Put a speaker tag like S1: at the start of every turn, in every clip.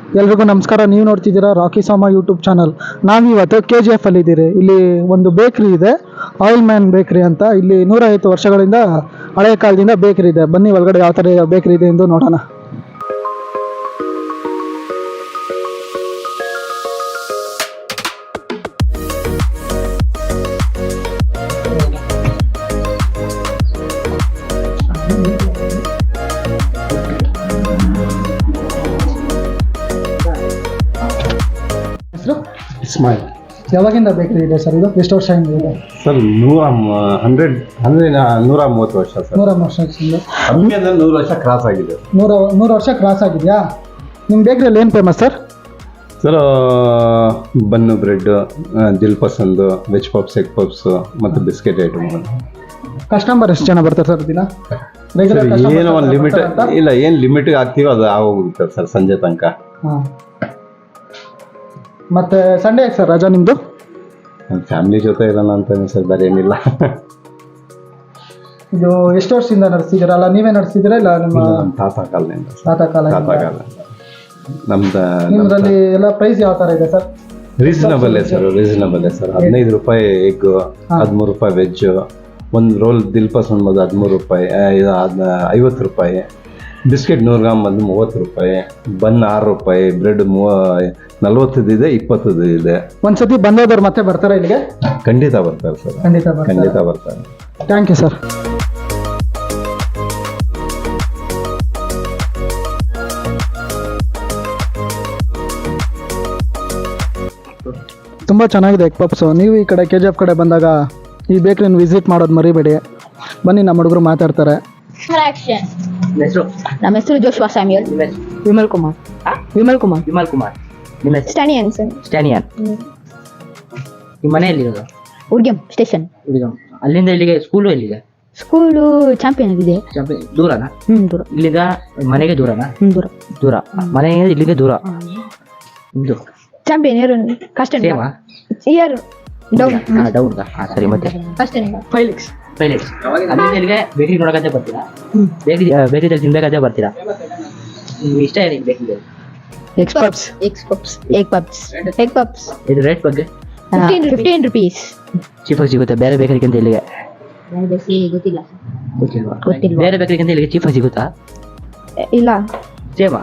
S1: ಎಲ್ರಿಗೂ ನಮಸ್ಕಾರ. ನೀವು ನೋಡ್ತಿದ್ದೀರಾ ರಾಕಿ ಸಾಮ ಯೂಟ್ಯೂಬ್ ಚಾನಲ್. ನಾವಿವತ್ತು KGF ಅಲ್ಲಿ ಇದ್ದೀರಿ. ಇಲ್ಲಿ ಒಂದು ಬೇಕ್ರಿ ಇದೆ, ಆಯಿಲ್ ಮ್ಯಾನ್ ಬೇಕ್ರಿ ಅಂತ. ಇಲ್ಲಿ 150 ವರ್ಷಗಳಿಂದ ಹಳೆಯ ಕಾಲದಿಂದ ಬೇಕ್ರಿ ಇದೆ. ಬನ್ನಿ ಒಳಗಡೆ ಯಾವ ಥರ ಬೇಕ್ರಿ ಇದೆ ಎಂದು ನೋಡೋಣ.
S2: ಇಸ್ಮಾಯಿಲ್.
S1: ಯಾವಾಗಿಂದ ಬೇಕ್ರಿ ಇದೆ ಸರ್ ಇದು? ಎಷ್ಟು ವರ್ಷದಿಂದ ಇದೆ
S2: ಸರ್? 130 ವರ್ಷ ಸರ್.
S1: 100 ವರ್ಷದಿಂದ
S2: ಕಮ್ಮಿ ಅಂದರೆ 100 ವರ್ಷ ಕ್ರಾಸ್ ಆಗಿದೆ.
S1: 100 ವರ್ಷ ಕ್ರಾಸ್ ಆಗಿದೆಯಾ? ನಿಮ್ಮ ಬೇಕ್ರಿಯಲ್ಲಿ ಏನು famous sir?
S2: Sir bun, bread, dil pasand, veg puffs, egg puffs ಮತ್ತು ಬಿಸ್ಕೆಟ್ ಐಟಮ್.
S1: ಕಸ್ಟಮರ್ ಎಷ್ಟು ಜನ ಬರ್ತಾರೆ ಸರ್ ದಿನ?
S2: ಏನೋ ಒಂದು ಲಿಮಿಟ್ ಇಲ್ಲ, ಏನು ಲಿಮಿಟ್ಗೆ ಹಾಕ್ತೀವೋ ಅದು ಆಗೋಗುತ್ತೆ ಸರ್ ಸಂಜೆ ತನಕ.
S1: ಹಾಂ. ಮತ್ತೆ ಸಂಡೇ ಯಾಕೆ ಸರ್ ರಜಾ ನಿಮ್ಮದು?
S2: ಫ್ಯಾಮಿಲಿ ಜೊತೆ ಇರೋಣ ಅಂತ ಸರ್, ಬೇರೆ ಏನಿಲ್ಲ.
S1: ಇದು ಎಷ್ಟು ವರ್ಷದಿಂದ ನಡೆಸ್ತಿದ್ದೀರಾ? ಅಲ್ಲ ನೀವೇ ನಡೆಸ್ತಿದ್ದೀರಾ ಇಲ್ಲ ನಿಮ್ಮ
S2: ತಾತ ಕಾಲದಿಂದ?
S1: ತಾತ ಕಾಲ.
S2: ನಮ್ದು
S1: ನಿಮ್ಮದ್ರಲ್ಲಿ ಎಲ್ಲ ಪ್ರೈಸ್ ಯಾವ ಥರ ಇದೆ sir?
S2: Reasonable sir, reasonable sir. 15 ರೂಪಾಯಿ ಎಗ್, 13 ರೂಪಾಯಿ ವೆಜ್, ಒಂದು ರೋಲ್ ದಿಲ್ ಪಸಂದ್ ಬಂದು 13 ರೂಪಾಯಿ, 50 ರೂಪಾಯಿ. ಬಿಸ್ಕೆಟ್ 100 ಗ್ರಾಮ್ ಬಂದು 30 ರೂಪಾಯಿ, ಬನ್ 6 ರೂಪಾಯಿ, ಬ್ರೆಡ್ 40 ಇದೆ, 20 ಇದೆ.
S1: ಒಂದ್ಸತಿ ಬಂದೋದವ್ರು ಮತ್ತೆ ಬರ್ತಾರೆ ಇಲ್ಲಿಗೆ?
S2: ಖಂಡಿತ ಬರ್ತಾರೆ ಸರ್, ಖಂಡಿತ ಬರ್ತಾರೆ.
S1: Thank you sir. ತುಂಬ ಚೆನ್ನಾಗಿದೆ ಎಗ್ ಪಪ್ಸು. ನೀವು ಈ ಕಡೆ KGF ಕಡೆ ಬಂದಾಗ ಈ ಬೇಕ್ರಿನ ವಿಸಿಟ್ ಮಾಡೋದು ಮರಿಬೇಡಿ. ಬನ್ನಿ, ನಮ್ಮ ಹುಡುಗರು ಮಾತಾಡ್ತಾರೆ.
S3: ನಮ್ಮ ಹೆಸರು ಜೋಶ್ವಾ ಸ್ಯಾಮ್ಯುಯಲ್.
S4: ವಿಮಲ್ ಕುಮಾರ್. ನಿಮ್ಮ ಹೆಸರು? ಸ್ಟ್ಯಾನಿಯನ್. ನಿಮ್ಮ ಮನೆ ಎಲ್ಲಿರೋದು?
S3: ಉರ್ಗೆಂ ಸ್ಟೇಷನ್.
S4: ಅಲ್ಲಿಂದ ಇಲ್ಲಿಗೆ ಸ್ಕೂಲು ಎಲ್ಲಿದೆ?
S3: ಸ್ಕೂಲು ಚಾಂಪಿಯನ್ ಇದೆ.
S4: ದೂರನಾ?
S3: ದೂರ.
S4: ಇಲ್ಲಿಂದ ಮನೆಗೆ ದೂರನಾ? ದೂರ. ಮನೆಗೆ ಇಲ್ಲಿಗೆ ದೂರ.
S3: ಚಾಂಪಿಯನ್ ಇಯರ್ ಕಷ್ಟ ಇಯರ್ ಡೌನ್.
S4: ಸರಿ. ಮತ್ತೆ
S3: ಫೈಲಿಕ್ಸ್.
S4: ಅಲ್ಲಿಂದ ಇಲ್ಲಿಗೆ ಬೇಕರಿ ನೋಡಕಂತ ಬರ್ತೀರಾ? ಬೇಕರಿದಲ್ಲಿ ತಿನ್ಬೇಕಂತ ಬರ್ತೀರಾ? ನಿಮ್ಗೆ ಇಷ್ಟ ಏನಿದೆ ಬೇಕರಿಯಲ್ಲಿ?
S3: Egg puffs.
S4: ಇದು ರೇಟ್ ಬಗ್ಗೆ
S3: 15 rupees.
S4: ಚೀಫಾಗಿ ಸಿಗುತ್ತೆ ಬೇರೆ ಬೇಕರಿಗಿಂತ ಇಲ್ಲಿಗೆ?
S3: ಗೊತ್ತಿಲ್ವಾ?
S4: ಬೇರೆ ಬೇಕರಿಗಿಂತ ಇಲ್ಲಿಗೆ ಚೀಫಾಗಿ ಸಿಗುತ್ತಾ?
S3: ಇಲ್ಲ,
S4: ಸೇವಾ?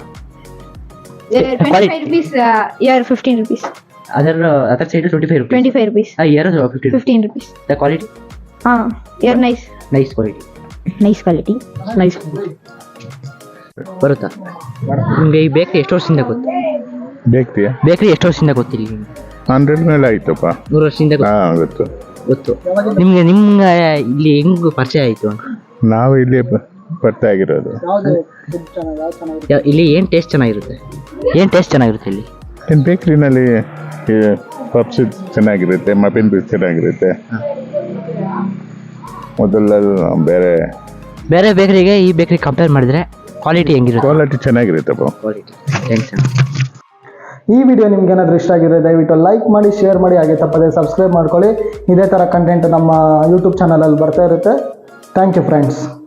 S3: 25 rupees. 15 rupees.
S4: ಅದರ side 25 rupees. Here 15
S3: rupees.
S4: The quality?
S3: Here nice quality.
S4: ಬರುತ್ತಾ ನಿಮಗೆ? ಈ ಬೇಕ್ರಿ ಎಷ್ಟು ವರ್ಷದಿಂದ ಗೊತ್ತು? ಬೇಕ್ರಿ ಎಷ್ಟು ವರ್ಷದಿಂದ ಗೊತ್ತಿಲ್ಲ?
S5: 100 ಮೇಲೆ ಆಯ್ತಪ್ಪ.
S4: 100 ವರ್ಷದಿಂದ ಗೊತ್ತು. ನಿಮ್ಗೆ ಇಲ್ಲಿ ಹೆಂಗ್ ಪರಿಚಯ ಆಯ್ತು?
S5: ನಾವು ಇಲ್ಲಿ ಬರ್ತಾ ಆಗಿರೋದು.
S4: ಇಲ್ಲಿ ಏನ್ ಟೇಸ್ಟ್ ಚೆನ್ನಾಗಿರುತ್ತೆ ಇಲ್ಲಿ?
S5: ಬೇಕ್ರಿನಲ್ಲಿ ಪಪ್ಸ್ ಚೆನ್ನಾಗಿರುತ್ತೆ, ಮಫಿನ್ ಪೀಸ್ ಚೆನ್ನಾಗಿರುತ್ತೆ. ಮೊದಲ ಬೇರೆ
S4: ಬೇಕರಿಗೆ ಈ ಬೇಕರಿ ಕಂಪೇರ್ ಮಾಡಿದ್ರೆ ಕ್ವಾಲಿಟಿ ಹೆಂಗಿರುತ್ತೆ?
S5: ಕ್ವಾಲಿಟಿ ಚೆನ್ನಾಗಿರುತ್ತಪ್ಪ.
S1: ಈ ವಿಡಿಯೋ ನಿಮ್ಗೆ ಏನಾದರೂ ಇಷ್ಟ ಆಗಿದ್ರೆ ದಯವಿಟ್ಟು ಲೈಕ್ ಮಾಡಿ, ಶೇರ್ ಮಾಡಿ, ಹಾಗೆ ತಪ್ಪದೆ ಸಬ್ಸ್ಕ್ರೈಬ್ ಮಾಡ್ಕೊಳ್ಳಿ. ಇದೇ ಥರ ಕಂಟೆಂಟ್ ನಮ್ಮ ಯೂಟ್ಯೂಬ್ ಚಾನಲಲ್ಲಿ ಬರ್ತಾ ಇರುತ್ತೆ. Thank you friends.